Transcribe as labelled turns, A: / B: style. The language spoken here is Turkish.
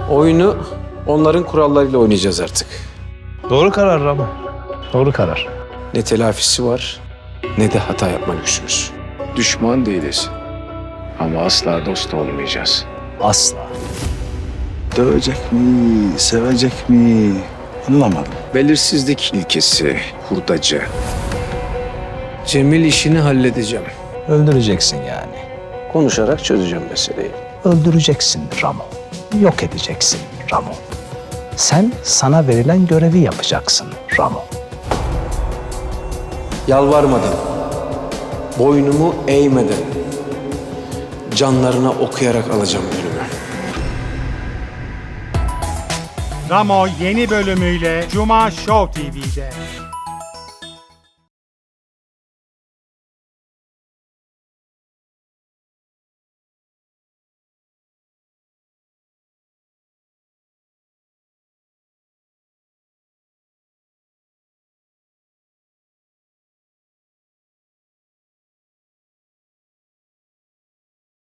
A: Oyunu onların kurallarıyla oynayacağız artık.
B: Doğru karar Ramo. Doğru karar.
A: Ne telafisi var ne de hata yapma lüksümüz.
C: Düşman değiliz. Ama asla dost olmayacağız.
B: Asla.
D: Dövecek mi, sevecek mi? Anlamadım.
C: Belirsizlik ilkesi, hurdacı.
A: Cemil işini halledeceğim.
B: Öldüreceksin yani.
A: Konuşarak çözeceğim meseleyi.
B: Öldüreceksin Ramo. Yok edeceksin Ramo. Sen sana verilen görevi yapacaksın Ramo.
A: Yalvarmadan, boynumu eğmeden, canlarına okuyarak alacağım ölümü.
E: Ramo yeni bölümüyle Cuma Show TV'de.